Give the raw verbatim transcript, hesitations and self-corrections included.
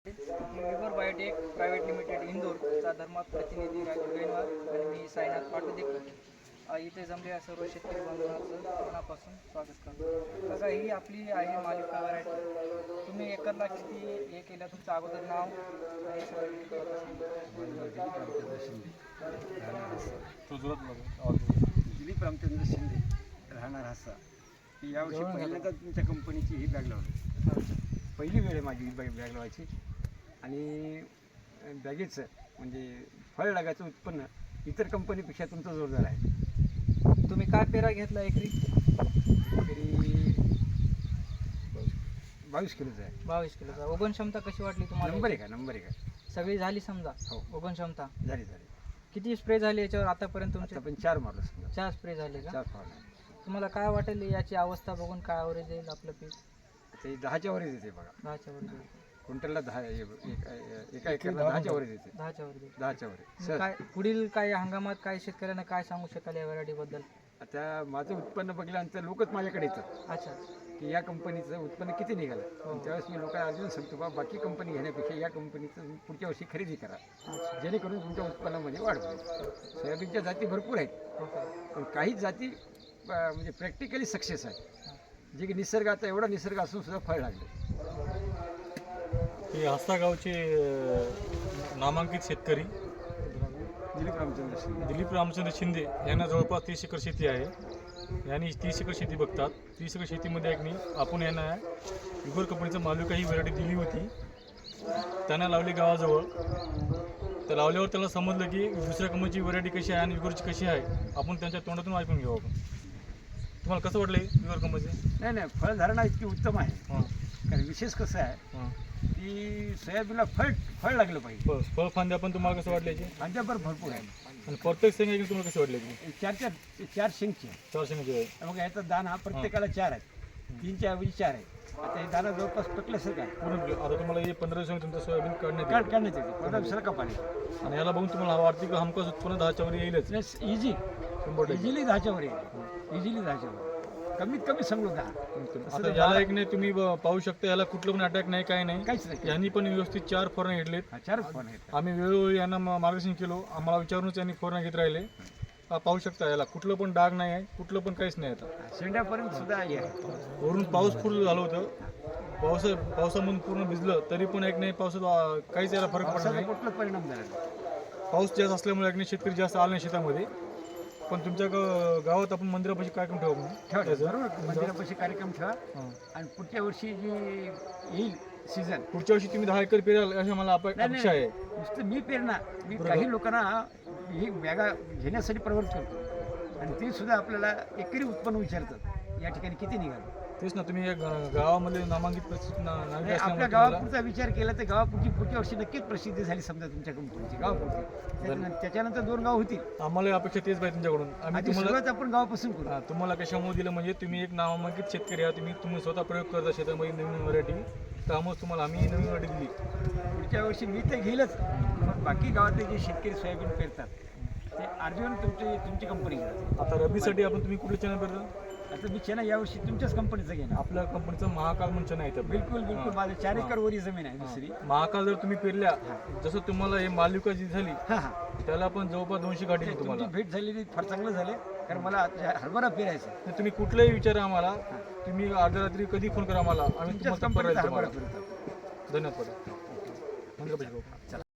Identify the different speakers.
Speaker 1: विवर biotech private limited इंदोरचा धर्मात प्रतिनिधी राजू गैनवार आणि मी साईनाथ पाटोदेकर इथे जमलेल्या सर्व शेतकरी बांधवांचं मनापासून स्वागत करतो. बघा, ही आपली आहे मालिका व्हरायटी. तुम्ही एकरला किती हे केलं, तुमचं अगोदर नाव आणि सगळं
Speaker 2: दिलीप रामचंद्र शिंदे, राहणार हासा. यावर्षी पहिल्यांदा तुमच्या कंपनीची ही बॅग लावली. पहिली वेळ आहे माझी ही बॅग बॅग लावायची. आणि बॅगेचं म्हणजे फळ लागायचं उत्पन्न इतर कंपनीपेक्षा तुमचं जोरदार आहे.
Speaker 1: तुम्ही काय पेरा घेतला एकरी?
Speaker 2: तरी बावीस किलोचं आहे.
Speaker 1: बावीस किलोचा. उगवण क्षमता कशी वाटली तुम्हाला?
Speaker 2: नंबर आहे का? नंबर आहे का?
Speaker 1: सगळी झाली समजा.
Speaker 2: हो,
Speaker 1: उगवण क्षमता
Speaker 2: झाली झाली.
Speaker 1: किती स्प्रे झाले याच्यावर आतापर्यंत तुमचे?
Speaker 2: आपण चार मारलं समजा.
Speaker 1: चार स्प्रे झाले का?
Speaker 2: चार फवारण्या.
Speaker 1: तुम्हाला काय वाटेल याची अवस्था बघून काय ॲव्हरेज येईल आपलं पीक?
Speaker 2: ते दहाच्या वरच येते बघा.
Speaker 1: दहाच्या वर येईल.
Speaker 2: क्विंटलला दहा एक- एका एकरला दहाच्या वरच येते.
Speaker 1: दहाच्या वर येईल.
Speaker 2: दहाच्या वर
Speaker 1: मग
Speaker 2: सर.
Speaker 1: काय पुढील काय हंगामात काय शेतकऱ्यांना काय सांगू शकाल या व्हरायटी बद्दल?
Speaker 2: आता माझं उत्पन्न बघितल्यानंतर लोकच माझ्याकडे येतात
Speaker 1: अच्छा.
Speaker 2: की या कंपनीचं उत्पन्न किती निघालं. आणि त्यावेळेस मी लोकांना अजून सांगतो बा, बाकी कंपनी घेण्यापेक्षा या कंपनीचं तुम्ही पुढच्या वर्षी खरेदी करा, जेणेकरून तुमच्या उत्पन्नामध्ये वाढ होईल. सोयाबीनच्या जाती भरपूर आहेत,
Speaker 1: ओके.
Speaker 2: पण काही जाती अं, म्हणजे प्रॅक्टिकली सक्सेस आहे, जे की निसर्गाचा एवढा निसर्ग असून सुद्धा फळ लागले.
Speaker 3: हे आस्था गावचे अ, नामांकित शेतकरी
Speaker 2: दिलीप रामचंद्र शिंदे.
Speaker 3: दिलीप रामचंद्र शिंदे यांना जवळपास तीस एकर शेती आहे. यांनी तीस एकर शेती बघतात. तीस एकर शेतीमध्ये एक नाही आपण यांना विगोर कंपनीचं मालुका ही व्हरायटी दिली होती. त्यांना लावली गावाजवळ. तर लावल्यावर त्याला समजलं की दुसऱ्या कंपनीची व्हरायटी कशी आहे आणि विगोरची कशी आहे. आपण त्यांच्या तोंडातून ऐकून घेऊ. आपण तुम्हाला कसं वाटलं विगोर कंपनीचे?
Speaker 2: नाही नाही, फळधारणा इतकी उत्तम आहे.
Speaker 3: हां
Speaker 2: कारण विशेष कसं आहे
Speaker 3: हां
Speaker 2: की सोयाबीनला फळ फळ लागलं पाहिजे.
Speaker 3: बस फळ फांद्या पण तुम्हाला कसं वाटलं याची?
Speaker 2: फांद्याभर भरपूर आहे.
Speaker 3: आणि प्रत्येक शेंगा एकदम तुम्हाला कसं वाटलं याची?
Speaker 2: चार चार चार शेंगची आहे.
Speaker 3: चार शेंगाची आहे.
Speaker 2: मग याचा दाना प्रत्येकाला चार आहे. तीनच्या ऐवजी चार आहे. आता हे दाना जवळपास पटल्यासारखं आहे.
Speaker 3: पूर्ण आता तुम्हाला हे पंधरा दिवसांनी तुमचं सोयाबीन काढण्यात
Speaker 2: काढ
Speaker 3: येईल.
Speaker 2: काढण्यात येते. पंधरा दिवसाला कपाली.
Speaker 3: आणि याला बघून तुम्हाला वाटते की हमखास उत्पन्न दहाच्या वर येईलच.
Speaker 2: प्लस इझी
Speaker 3: शंभर टक्के.
Speaker 2: इझिली दहाच्या वर येईल. इझिली दहाच्या वर. कमीत कमी सांगलो दहा.
Speaker 3: आता याला एक नाही तुम्ही ब- पाहू शकता, याला कुठलं पण अटॅक नाही, काय नाही.
Speaker 2: काहीच नाही.
Speaker 3: यांनी पण व्यवस्थित चार फवारण्या घेतलेत.
Speaker 2: हा, चारच फोन आहेत.
Speaker 3: आम्ही वेळोवेळी यांना मा- मार्गदर्शन केलो. आम्हाला विचारूनच यांनी फवारण्या घेत राहिले. हा, पाहू शकता याला कुठलं पण डाग नाही आहे, कुठलं पण काहीच नाही. आता
Speaker 2: शेंड्यापर्यंत सुद्धा हे आहे.
Speaker 3: वरून पाऊस पूर्ण झालं होतं. पाऊस पावसामधून पूर्ण भिजलं तरी पण एक नाही पावसात आ, काहीच याला फरक पडला
Speaker 2: पावसाचा
Speaker 3: नाही.
Speaker 2: कुठला परिणाम झाला नाही.
Speaker 3: पाऊस जास्त असल्यामुळे एक नाही शेतकरी जास्त आला नाही शेतामध्ये. पण तुमच्या ग- गावात आपण मंदिरापाशी कार्यक्रम ठेवू आपण.
Speaker 2: ठेवा
Speaker 3: त्याचं.
Speaker 2: बरोबर. मंदिरापाशी कार्यक्रम ठेवा.
Speaker 3: हां.
Speaker 2: आणि पुढच्या वर्षी जी येईल सीझन.
Speaker 3: पुढच्या वर्षी तुम्ही दहा एकर पेराल अशी मला अपे-
Speaker 2: नाही,
Speaker 3: अपेक्षा आहे.
Speaker 2: नुसतं मी पेरणा मी काही लोकांना ही बॅगा घेण्यासाठी प्रवृत्त करतो. आणि ते सुद्धा आपल्याला एकरी उत्पन्न विचारतात, या ठिकाणी किती निघालं.
Speaker 3: तेच ना, तुम्ही या गा- गावामध्ये नामांकित प्रसिद्ध ना- नागरिक
Speaker 2: नाही, आपल्या
Speaker 3: असल्यामुळे तुम्हाला-
Speaker 2: गावापुरता विचार केला तर गावापुरची पुढच्या वर्षी नक्कीच प्रसिद्धी झाली समजा तुमच्या कंपनीची गावापुरती. त्याच्यानंतर त्याच्यानंतर दोन गाव होतील.
Speaker 3: आम्हाला अपेक्षा तेच पाहिजे तुमच्याकडून. आम्ही
Speaker 2: आधी
Speaker 3: तुम्हाला
Speaker 2: सुरुवात आपण गावापासून करू.
Speaker 3: हा, तुम्हाला कशामुळे दिलं म्हणजे तुम्ही एक नामांकित शेतकरी आहात. तुम्ही तुम्ही स्वतः प्रयोग करता शेतामध्ये नवीन व्हरायटी. त्यामुळे तुम्हाला आम्ही नवीन व्हरायटी दिली.
Speaker 2: पुढच्या वर्षी मी तर घेईलच, पण बाकी गावातले जे शेतकरी सोयाबीन पेरतात ते अर्जुन तुमची तुमची कंपनी घेतात.
Speaker 3: आता रबीसाठी आपण तुम्ही कुठले चॅनल करता?
Speaker 2: आता मी चेना यावर्षी तुमच्याच कंपनीचं घेणार.
Speaker 3: आपल्या कंपनीचं महाकाल म्हणून चॅनल आहे.
Speaker 2: बिलकुल बिलकुल. माझं चार एकर वरी जमीन आहे दुसरी.
Speaker 3: महाकाल जर तुम्ही पेरल्या, जसं तुम्हाला हे मालिका जी झाली
Speaker 2: हां हां.
Speaker 3: त्याला पण जवळपास दोनशे गाठी दिली तुम्हाला.
Speaker 2: तुमची भेट झालेली फार चांगलं झालं, कारण मला आता हरभरा पेरायचा.
Speaker 3: तर तुम्ही कुठलाही विचारा आम्हाला. तुम्ही अर्ध्या रात्री कधी फोन करा आम्हाला, आम्ही
Speaker 2: तुमच्याच
Speaker 3: तुम्हाला
Speaker 2: कंपनीचा
Speaker 3: तुम्हाला
Speaker 2: हरभरा पेरतात.
Speaker 3: धन्यवाद.